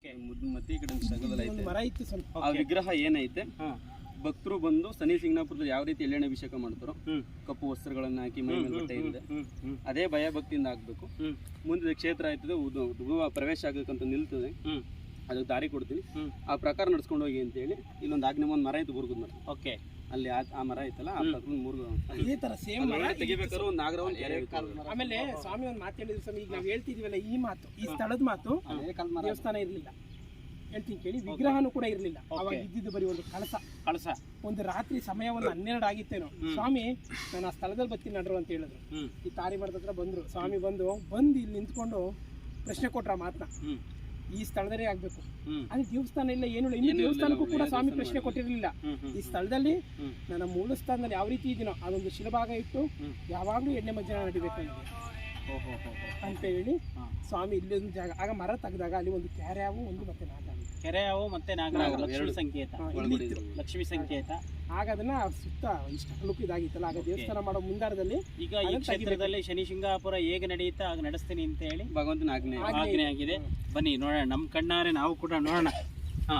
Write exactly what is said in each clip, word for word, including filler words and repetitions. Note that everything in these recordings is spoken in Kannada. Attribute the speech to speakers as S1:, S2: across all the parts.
S1: ಮತ್ತೆ ಈ ಕಡೆ ಸ್ಥಳದಲ್ಲಿ ಐತೆ
S2: ಮರ ಇತ್ತು ಸ್ವಲ್ಪ.
S1: ಆ ವಿಗ್ರಹ ಏನೈತೆ ಭಕ್ತರು ಬಂದು ಶನಿ ಸಿಂಗನಾಪುರದಲ್ಲಿ ಯಾವ ರೀತಿ ಎಳ್ಳೆಣ್ಣೆ ಅಭಿಷೇಕ ಮಾಡ್ತಾರೋ ಕಪ್ಪು ವಸ್ತ್ರಗಳನ್ನ ಹಾಕಿ ಮೈ ಮೇಲೆ ಬಟ್ಟೆ ಇದೆ ಅದೇ ಭಯ ಭಕ್ತಿಯಿಂದ ಆಗ್ಬೇಕು. ಮುಂದೆ ಕ್ಷೇತ್ರ ಆಯ್ತದೆ ಪ್ರವೇಶ ಆಗಬೇಕಂತ ನಿಲ್ತದೆ, ಅದಕ್ಕೆ ದಾರಿ ಕೊಡ್ತೀನಿ, ಆ ಪ್ರಕಾರ ನಡ್ಸ್ಕೊಂಡು ಹೋಗಿ ಅಂತ ಹೇಳಿ ಇಲ್ಲೊಂದು ಆಜ್ಞೆ ಒಂದು ಮರ ಇತ್ತು ಬುರ್ಗದ ಮರ. ಓಕೆ, ಅಲ್ಲಿ ಆ ಮರ ಐತಲ್ಲ ಆ ಪ್ರಕಾರ ಮೂರು
S2: ಇದೇ ತರ ಸೇಮ್ ಮರ
S1: ತೆಗಿಬೇಕಾದ್ರೆ ಒಂದು ನಾಗರವನ್ ಕೆರೆ.
S2: ಆಮೇಲೆ ಸ್ವಾಮಿ ಒಂದು ಮಾತು ಹೇಳಿದ್ರು ಸ್ವಾಮಿ, ಈಗ ನಾವು ಹೇಳ್ತಿದೀವಲ್ಲ ಈ ಮಾತು, ಈ ಸ್ಥಳದ ಮಾತು, ದೇವಸ್ಥಾನ ಇರ್ಲಿಲ್ಲ ಹೇಳ್ತೀನಿ ಕೇಳಿ, ವಿಗ್ರಹನೂ ಕೂಡ ಇರ್ಲಿಲ್ಲ ಅವಾಗ. ಇದ್ದಿದ್ದು ಬರೀ ಒಂದು ಕಳಸ ಕಳಸ ಒಂದು ರಾತ್ರಿ ಸಮಯ ಒಂದು ಹನ್ನೆರಡು ಆಗಿತ್ತೇನೋ. ಸ್ವಾಮಿ ನಾನು ಆ ಸ್ಥಳದಲ್ಲಿ ಬರ್ತೀನಿ ನಡ್ರು ಅಂತ ಹೇಳಿದ್ರು. ಈ ತಾರಿ ಮರದ ಹತ್ರ ಬಂದ್ರು. ಸ್ವಾಮಿ ಬಂದು ಬಂದು ಇಲ್ಲಿ ನಿಂತ್ಕೊಂಡು ಪ್ರಶ್ನೆ ಕೊಟ್ರ ಮಾತನ್ನ, ಈ ಸ್ಥಳದಲ್ಲೇ ಆಗ್ಬೇಕು, ಅಲ್ಲಿ ದೇವಸ್ಥಾನ ಇಲ್ಲ ಏನು ಇಲ್ಲ. ಇನ್ನು ದೇವಸ್ಥಾನಕ್ಕೂ ಕೂಡ ಸ್ವಾಮಿ ಪ್ರಶ್ನೆ ಕೊಟ್ಟಿರ್ಲಿಲ್ಲ. ಈ ಸ್ಥಳದಲ್ಲಿ ನನ್ನ ಮೂಲ ಸ್ಥಾನದಲ್ಲಿ ಯಾವ ರೀತಿ ಇದೀನೋ ಅದೊಂದು ಶಿಲಭಾಗ ಇಟ್ಟು ಯಾವಾಗ್ಲೂ ಎಣ್ಣೆ ಮಜ್ಜನ ನಡಿಬೇಕು ನನಗೆ ಅಂತ ಹೇಳಿ ಸ್ವಾಮಿ ಇಲ್ಲೊಂದು ಜಾಗ. ಆಗ ಮರ ತೆಗೆದಾಗ ಅಲ್ಲಿ ಒಂದು ಕೆರೆಯಾವು ಒಂದು ಮತ್ತೆ ನಾಗ
S3: ಕೆರೆಯಾವು ಮತ್ತೆ ನಾಗರಾವು ಲಕ್ಷ್ಮಿ ಸಂಕೇತ, ಲಕ್ಷ್ಮಿ ಸಂಕೇತ.
S2: ಆಗ ಅದನ್ನ ಸುತ್ತ ಇಷ್ಟ ಲುಕ್ ಇದಾಗಿತ್ತಲ್ಲ. ಆಗ ದೇವಸ್ಥಾನ ಮಾಡೋ ಮುಂದಾರದಲ್ಲಿ
S3: ಈಗ ಈ ಕ್ಷೇತ್ರದಲ್ಲಿ ಶನಿ ಶಿಂಗಾಪುರ ಹೇಗೆ ನಡೆಯುತ್ತೆ ಆಗ ನಡೆಸ್ತೀನಿ ಅಂತ ಹೇಳಿ
S1: ಭಗವಂತನ ಆಜ್ಞೆ
S3: ಆಜ್ಞೆ ಆಗಿದೆ. ಬನ್ನಿ ನೋಡೋಣ, ನಮ್ಮ ಕಣ್ಣಾರೆ ನಾವು ಕೂಡ ನೋಡೋಣ. ಹಾ,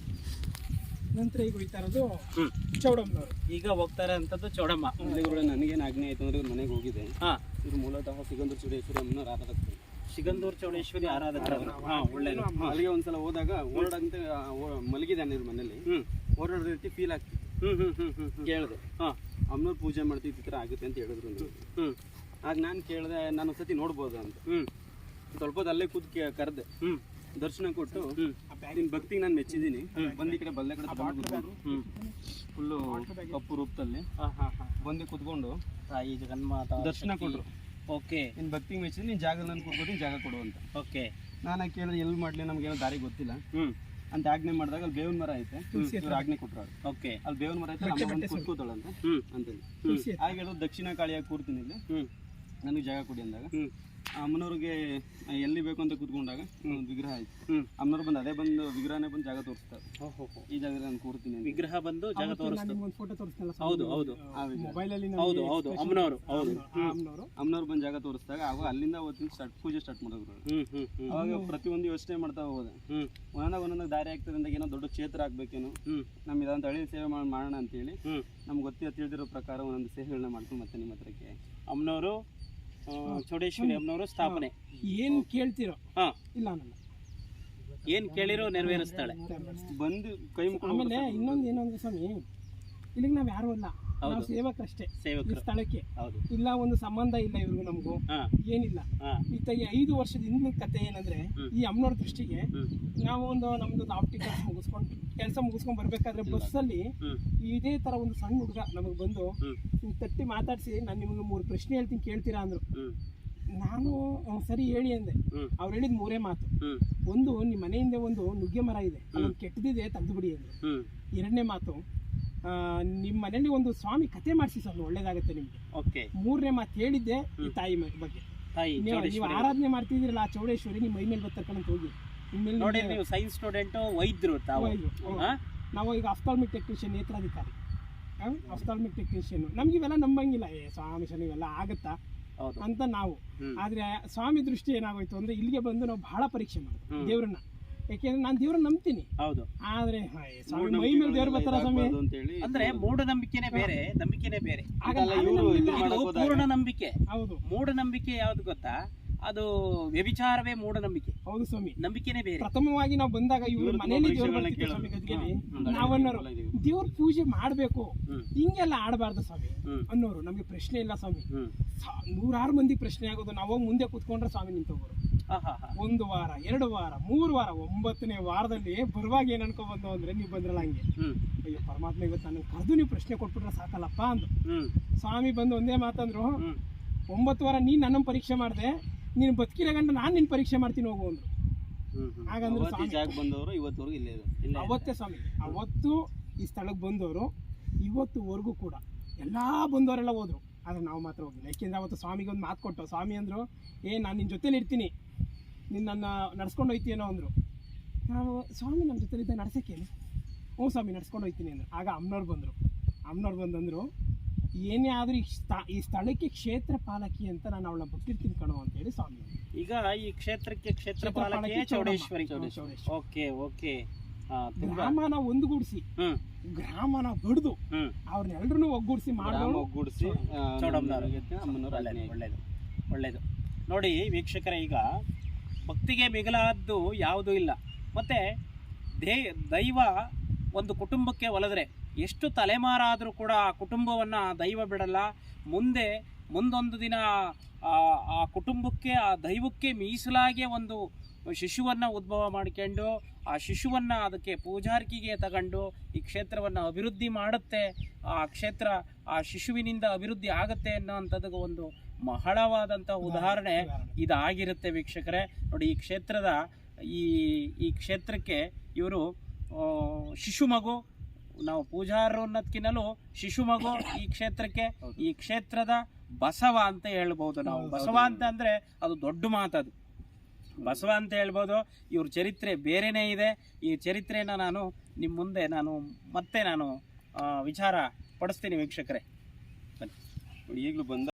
S2: ನಂತರ ಈಗ ಹೋಗ್ತಾ ಇರೋದು ಚೌಡಮ್ಮನವರು.
S3: ಈಗ ಹೋಗ್ತಾ ಇರೋಂಥದ್ದು ಚೌಡಮ್ಮ.
S1: ನನಗೇನು ಆಜ್ಞೆ ಆಯ್ತು ಅಂದ್ರೆ ಇವ್ರ ಮನೆಗೆ ಹೋಗಿದೆ.
S3: ಹಾ,
S1: ಇವ್ರು ಮೂಲತಃ ಸಿಗಂದೂರು ಚೌಡೇಶ್ವರಿ ಅಮ್ಮನವ್ರು ಆರಾಧಕರು.
S3: ಸಿಗಂದೂರು ಚೌಡೇಶ್ವರಿ ಆರಾಧಕರು. ಹಾ, ಒಳ್ಳೇದು.
S1: ಅಲ್ಲಿಗೆ ಒಂದ್ಸಲ ಹೋದಾಗ ಓಡಾಡಂತ ಮಲಗಿದ್ದಾನೆ ಇವ್ರ ಮನೇಲಿ, ಓಡಾಡೋ ರೀತಿ ಫೀಲ್ ಆಗ್ತಿತ್ತು. ಕೇಳಿದೆ, ಹಾ ಅಮ್ಮನವ್ರು ಪೂಜೆ ಮಾಡ್ತಿದ್ದ ಈ ಥರ ಆಗುತ್ತೆ ಅಂತ ಹೇಳಿದ್ರು. ಹ್ಮ್ ಆಗ ನಾನು ಕೇಳಿದೆ, ನಾನು ಒಂದ್ಸತಿ ನೋಡ್ಬೋದು ಅಂತ. ಹ್ಮ್ ಸ್ವಲ್ಪ ಹೊತ್ತು ಅಲ್ಲೇ ಕೂತ್ ಕರೆದೆ, ಹ್ಮ್ ದರ್ಶನ ಕೊಟ್ಟು ನಿನ್ ಭಕ್ತಿಗೆ ನಾನು ಮೆಚ್ಚಿದ್ದೀನಿ, ಬಂದು ಈ ಕಡೆ ಬಲ್ಲೆ ಕಡೆ ಫುಲ್ಲು ಕಪ್ಪು ರೂಪದಲ್ಲಿ ಬಂದು ಕುತ್ಕೊಂಡು
S3: ತಾಯಿ ಜಗನ್ಮಾತ
S1: ದರ್ಶನ ಕೊಟ್ರು.
S3: ಓಕೆ,
S1: ನಿನ್ ಭಕ್ತಿಗೆ ಮೆಚ್ಚಿದ್ದೀನಿ, ನಿನ್ ಜಾಗ ನಾನು ಕೊಟ್ಬಿಟ್ಟು ಜಾಗ ಕೊಡು ಅಂತ.
S3: ಓಕೆ,
S1: ನಾನು ಕೇಳಿದ್ರೆ ಎಲ್ಲಿ ಮಾಡ್ಲಿ, ನಮ್ಗೇನೋ ದಾರಿ ಗೊತ್ತಿಲ್ಲ ಅಂತ ಆಜ್ಞೆ ಮಾಡಿದಾಗ ಅಲ್ಲಿ ಬೇವಿನ ಮರ ಐತೆ, ಇವ್ರು ಆಜ್ಞೆ ಕೊಟ್ರು. ಓಕೆ, ಅಲ್ಲಿ ಬೇವಿನ ಮರ ಐತೆ, ಕುತ್ಕೋತಾಳಂತ ಅಂತೇಳಿ ಹಾಗೆ ಹೇಳೋದು. ದಕ್ಷಿಣ ಕಾಳಿಯಾಗಿ ಕೂರ್ತೀನಿ ಇಲ್ಲಿ, ನನಗೆ ಜಾಗ ಕೊಡಿ ಅಂದಾಗ ಅಮ್ಮನವ್ರಿಗೆ ಎಲ್ಲಿ ಬೇಕು ಅಂತ ಕೂತ್ಕೊಂಡಾಗ ಒಂದು ವಿಗ್ರಹ ಆಯ್ತು. ಅಮ್ಮನವ್ರು ಬಂದು ಅದೇ ಬಂದು ವಿಗ್ರಹನೇ ಬಂದು ಜಾಗ ತೋರಿಸ್ತಾರೆ. ಈ ಜಾಗದಲ್ಲಿ ನಾನು ಕೂರ್ತೀನಿ, ವಿಗ್ರಹ ಬಂದು ಜಾಗ ತೋರಿಸ್ತಾರೆ.
S2: ಫೋಟೋ ತೋರಿಸ್ತಾರಲ್ಲ
S3: ಹೌದು ಹೌದು
S2: ಮೊಬೈಲ್ ಅಲ್ಲಿ,
S3: ಹೌದು ಹೌದು ಅಮ್ಮನವರು. ಹೌದು,
S1: ಅಮ್ಮನವ್ರು ಬಂದು ಜಾಗ ತೋರಿಸಿದಾಗ ಆವಾಗ ಅಲ್ಲಿಂದ ಅವತ್ತಿನ ಸ್ಟಾರ್ಟ್ ಪೂಜೆ ಸ್ಟಾರ್ಟ್ ಮಾಡಿದ್ರು. ಅವಾಗ ಪ್ರತಿಯೊಂದು ಯೋಚನೆ ಮಾಡ್ತಾ ಹೋದೆ, ಒಂದೊಂದಾಗ ಒಂದೊಂದಾಗ ದಾರಿ ಆಗ್ತದೆ ಅಂದಾಗ ಏನೋ ದೊಡ್ಡ ಕ್ಷೇತ್ರ ಆಗ್ಬೇಕೇನೋ, ನಮ್ಗೆ ಇದಂತ ಹಳ್ಳಿ ಸೇವೆ ಮಾಡೋಣ ಅಂತೇಳಿ ನಮ್ಗೆ ಗೊತ್ತಿರೋ ತಿಳಿದಿರೋ ಪ್ರಕಾರ ಒಂದೊಂದು ಸೇವೆಗಳನ್ನ ಮಾಡ್ಕೊಂಡು ಮತ್ತೆ ನಿಮ್ಮ ಹತ್ರಕ್ಕೆ
S3: ಅಮ್ಮನವರು ಚೌಡೇಶ್ವರಿ ಅಮ್ಮನವರು ಸ್ಥಾಪನೆ.
S2: ಏನ್ ಕೇಳ್ತಿರೋ
S3: ಹಾ
S2: ಇಲ್ಲ ಅನ್ನಲ್ಲ,
S3: ಏನ್ ಕೇಳಿರೋ ನೆರವೇರಿಸ್ತಾಳೆ.
S1: ಬಂದು ಕೈ ಮುಖ.
S2: ಆಮೇಲೆ ಇನ್ನೊಂದು ಏನು ಅಂದ್ರೆ ಸ್ವಾಮಿ, ಇಲ್ಲಿಗೆ ನಾವ್ ಯಾರು ಅಲ್ಲ, ನಾವು ಸೇವಕರಷ್ಟೇ ಈ ಸ್ಥಳಕ್ಕೆ. ಇಲ್ಲ ಒಂದು ಸಂಬಂಧ ಇಲ್ಲ ಇವ್ರಿಗೂ ನಮಗೂ ಏನಿಲ್ಲ. ಈತ ಐದು ವರ್ಷದ ಹಿಂದಿನ ಕತೆ ಏನಂದ್ರೆ, ಈ ಅಮ್ಮನವ್ರ ದೃಷ್ಟಿಗೆ ನಾವು ಒಂದು ನಮ್ದು ಆಪ್ಟಿಕಲ್ಸ್ ಮುಗಿಸ್ಕೊಂಡು ಕೆಲಸ ಮುಗಿಸ್ಕೊಂಡ್ ಬರ್ಬೇಕಾದ್ರೆ ಬಸ್ಸಲ್ಲಿ ಇದೇ ತರ ಒಂದು ಸಣ್ಣ ಹುಡುಗ ನಮಗ್ ಬಂದು ತಟ್ಟಿ ಮಾತಾಡ್ಸಿ, ನಾನು ನಿಮ್ಗೆ ಮೂರು ಪ್ರಶ್ನೆ ಹೇಳ್ತೀನಿ ಕೇಳ್ತೀರಾ ಅಂದ್ರು. ನಾನು ಸರಿ ಹೇಳಿ ಅಂದೆ. ಅವ್ರು ಹೇಳಿದ್ ಮೂರೇ ಮಾತು. ಒಂದು, ನಿಮ್ ಮನೆಯಿಂದ ಒಂದು ನುಗ್ಗೆ ಮರ ಇದೆ, ಅದೊಂದು ಕೆಟ್ಟದಿದೆ ತೆಗೆದು ಬಿಡಿ ಅಂದ್ರು. ಎರಡನೇ ಮಾತು, ನಿಮ್ ಮನೇಲಿ ಒಂದು ಸ್ವಾಮಿ ಕತೆ ಮಾಡಿಸಿ ಸರ್ ಒಳ್ಳೇದಾಗುತ್ತೆ ನಿಮ್ಗೆ.
S3: ಓಕೆ.
S2: ಮೂರನೇ ಮಾತು ಹೇಳಿದ್ದೆ ಈ ತಾಯಿ ಬಗ್ಗೆ. ನೀವು ಆರಾಧನೆ ಮಾಡ್ತಿದ್ದೀರಲ್ಲ ಆ ಚೌಡೇಶ್ವರಿ, ನಿಮ್ ಮೈ ಮೇಲೆ ಬರ್ತಕ್ಕಂತ ಹೋಗಿ.
S3: ನೋಡಿ, ನೀವು ಸೈನ್ಸ್ ಸ್ಟೂಡೆಂಟ್, ವೈದ್ಯರು ತಾವು.
S2: ನಾವು ಈಗ ಆಫ್ಥಾಲ್ಮಿಕ್ ಟೆಕ್ನಿಷಿಯನ್, ನೇತ್ರಾಧಿಕಾರಿ, ಆಫ್ಥಾಲ್ಮಿಕ್ ಟೆಕ್ನಿಷಿಯನ್. ನಮ್ಗೆ ಇವೆಲ್ಲ ನಂಬಂಗಿಲ್ಲ, ಏ ಸ್ವಾಮಿ ಶನಿ ಇವೆಲ್ಲ ಆಗತ್ತಾ ಅಂತ ನಾವು. ಆದ್ರೆ ಸ್ವಾಮಿ ದೃಷ್ಟಿ ಏನಾಗೋಯ್ತು ಅಂದ್ರೆ, ಇಲ್ಲಿಗೆ ಬಂದು ನಾವು ಬಹಳ ಪರೀಕ್ಷೆ ಮಾಡೋದು ದೇವ್ರನ್ನ. ಯಾಕೆಂದ್ರೆ ನಾನು ದೇವ್ರನ್ನ ನಂಬ್ತೀನಿ, ಹೌದು. ಆದ್ರೆ ಮೈ ಮೇಲೆ ದೇವ್ರ ಬರ್ತಾರ ಸ್ವಾಮಿ
S3: ಅಂದ್ರೆ ಮೂಢನಂಬಿಕೆನೇ ಬೇರೆ, ನಂಬಿಕೆನೇ ಬೇರೆ. ಪೂರ್ಣ ನಂಬಿಕೆ. ಹೌದು. ಮೂಢನಂಬಿಕೆ ಯಾವ್ದು ಗೊತ್ತಾ? ಅದು ವ್ಯಭಿಚಾರವೇ ಮೂಢನಂಬಿಕೆ.
S2: ಹೌದು ಸ್ವಾಮಿ,
S3: ನಂಬಿಕೆನೇ ಬೇರೆ.
S2: ಪ್ರಥಮವಾಗಿ ನಾವು ಬಂದಾಗ ಇವ್ರ ಮನೆಯಲ್ಲಿ ದೇವ್ರ ಬರ್ತಿತ್ತು ಸ್ವಾಮಿ ಗದ್ಗೆಲಿ. ನಾವನ್ನೋರು ದೇವ್ರ ಪೂಜೆ ಮಾಡ್ಬೇಕು, ಹಿಂಗೆಲ್ಲ ಆಡಬಾರ್ದು ಸ್ವಾಮಿ ಅನ್ನೋರು. ನಮ್ಗೆ ಪ್ರಶ್ನೆ ಇಲ್ಲ ಸ್ವಾಮಿ. ನೂರಾರು ಮಂದಿ ಪ್ರಶ್ನೆ ಆಗೋದು, ನಾವು ಹೋಗಿ ಮುಂದೆ ಕುತ್ಕೊಂಡ್ರೆ ಸ್ವಾಮಿ ನಿಂತೋಗೋರು. ಒಂದು ವಾರ, ಎರಡು ವಾರ, ಮೂರು ವಾರ, ಒಂಬತ್ತನೇ ವಾರದಲ್ಲಿ ಬರುವಾಗ ಏನ್ ಅನ್ಕೊ ಬಂದು ಅಂದ್ರೆ, ನೀವು ಬಂದ್ರಲ್ಲ ಹಂಗೆ, ಅಯ್ಯೋ ಪರಮಾತ್ಮ ಇವತ್ತು ನನಗೆ ಕರೆದು ನೀವು ಪ್ರಶ್ನೆ ಕೊಟ್ಬಿಟ್ರೆ ಸಾಕಲ್ಲಪ್ಪ ಅಂದು. ಸ್ವಾಮಿ ಬಂದು ಒಂದೇ ಮಾತಂದ್ರು, ಒಂಬತ್ತು ವಾರ ನೀನ್ ನನ್ನ ಪರೀಕ್ಷೆ ಮಾಡಿದೆ, ನೀನು ಬದುಕಿರೋ ಗಂಟ ನಾನು ನಿನ್ ಪರೀಕ್ಷೆ ಮಾಡ್ತೀನಿ ಹೋಗು ಅಂದ್ರು. ಹಾಗಂದ್ರೆ
S1: ಬಂದವರು ಇವತ್ತವರೆಗೂ ಇಲ್ಲೇ ಇದೆ.
S2: ಅವತ್ತೇ ಸ್ವಾಮಿ, ಅವತ್ತು ಈ ಸ್ಥಳಕ್ಕೆ ಬಂದವರು ಇವತ್ತುವರೆಗೂ ಕೂಡ ಎಲ್ಲಾ ಬಂದವರೆಲ್ಲ ಹೋದ್ರು, ಆದ್ರೆ ನಾವು ಮಾತ್ರ ಹೋಗಿಲ್ಲ. ಯಾಕೆಂದ್ರೆ ಅವತ್ತು ಸ್ವಾಮಿಗೆ ಒಂದು ಮಾತು ಕೊಟ್ಟು, ಸ್ವಾಮಿ ಅಂದ್ರು, ಏ ನಾನು ನಿನ್ನ ಜೊತೆಲಿ ಇರ್ತೀನಿ, ನಿನ್ನ ನಡ್ಸ್ಕೊಂಡು ಹೋಯ್ತೀನೋ ಅಂದ್ರು. ನಾವು ಸ್ವಾಮಿ ನಮ್ಮ ಜೊತೆಲಿದ್ದ ನಡ್ಸಕ್ಕೇನು, ಹ್ಞೂ ಸ್ವಾಮಿ ನಡ್ಸ್ಕೊಂಡು ಹೋಯ್ತೀನಿ ಅಂದ್ರು. ಆಗ ಅಮ್ಮನವ್ರು ಬಂದರು. ಅಮ್ಮನವ್ರು ಬಂದಂದ್ರು, ಏನೇ ಆದರೂ ಈ ಸ್ಥಳಕ್ಕೆ ಕ್ಷೇತ್ರ ಪಾಲಕಿ ಅಂತ ನಾನು ಅವಳನ್ನ ಬಿಟ್ಟಿರ್ತೀನಿ ಕಣೋ ಅಂತೇಳಿ ಸ್ವಾಮಿ.
S3: ಈಗ ಈ ಕ್ಷೇತ್ರಕ್ಕೆ ಕ್ಷೇತ್ರ ಪಾಲಕಿ ಚೌಡೇಶ್ವರಿ. Okay okay.
S2: ಗ್ರಾಮನ ಒಂದುಗೂಡಿಸಿ
S3: ಹ್ಮ್
S2: ಗ್ರಾಮನ ಬಡ್ದು
S3: ಹ್ಮ್
S2: ಅವ್ರನ್ನೆಲ್ಲರೂ ಒಗ್ಗೂಡಿಸಿ ಮಾಡೋದು
S1: ಒಗ್ಗೂಡಿಸಿ
S3: ಒಳ್ಳೇದು ಒಳ್ಳೇದು. ನೋಡಿ ವೀಕ್ಷಕರೇ, ಈಗ ಭಕ್ತಿಗೆ ಮಿಗಿಲಾದ್ದು ಯಾವುದೂ ಇಲ್ಲ. ಮತ್ತೆ ದೇ ದೈವ ಒಂದು ಕುಟುಂಬಕ್ಕೆ ಒಲಿದ್ರೆ ಎಷ್ಟು ತಲೆಮಾರಾದರೂ ಕೂಡ ಆ ಕುಟುಂಬವನ್ನು ದೈವ ಬಿಡಲ್ಲ. ಮುಂದೆ ಮುಂದೊಂದು ದಿನ ಆ ಕುಟುಂಬಕ್ಕೆ ಆ ದೈವಕ್ಕೆ ಮೀಸಲಾಗಿ ಒಂದು ಶಿಶುವನ್ನು ಉದ್ಭವ ಮಾಡಿಕೊಂಡು ಆ ಶಿಶುವನ್ನು ಅದಕ್ಕೆ ಪೂಜಾರ್ಕಿಗೆ ತಗೊಂಡು ಈ ಕ್ಷೇತ್ರವನ್ನು ಅಭಿವೃದ್ಧಿ ಮಾಡುತ್ತೆ. ಆ ಕ್ಷೇತ್ರ ಆ ಶಿಶುವಿನಿಂದ ಅಭಿವೃದ್ಧಿ ಆಗುತ್ತೆ ಅನ್ನೋವಂಥದ್ದು ಒಂದು ಬಹಳವಾದಂಥ ಉದಾಹರಣೆ ಇದಾಗಿರುತ್ತೆ ವೀಕ್ಷಕರೇ. ನೋಡಿ, ಈ ಕ್ಷೇತ್ರದ ಈ ಈ ಕ್ಷೇತ್ರಕ್ಕೆ ಇವರು ಶಿಶು ಮಗು, ನಾವು ಪೂಜಾರರು ಅನ್ನೋದಕ್ಕಿಂತಲೂ ಶಿಶು ಮಗು ಈ ಕ್ಷೇತ್ರಕ್ಕೆ. ಈ ಕ್ಷೇತ್ರದ ಬಸವ ಅಂತ ಹೇಳ್ಬೋದು ನಾವು. ಬಸವ ಅಂತ ಅಂದರೆ ಅದು ದೊಡ್ಡ ಮಾತದು, ಬಸವ ಅಂತ ಹೇಳ್ಬೋದು. ಇವ್ರ ಚರಿತ್ರೆ ಬೇರೆಯೇ ಇದೆ. ಈ ಚರಿತ್ರೆನ ನಾನು ನಿಮ್ಮ ಮುಂದೆ ನಾನು ಮತ್ತೆ ನಾನು ವಿಚಾರ ಪಡಿಸ್ತೀನಿ ವೀಕ್ಷಕರೇ.
S1: ಈಗಲೂ ಬಂದ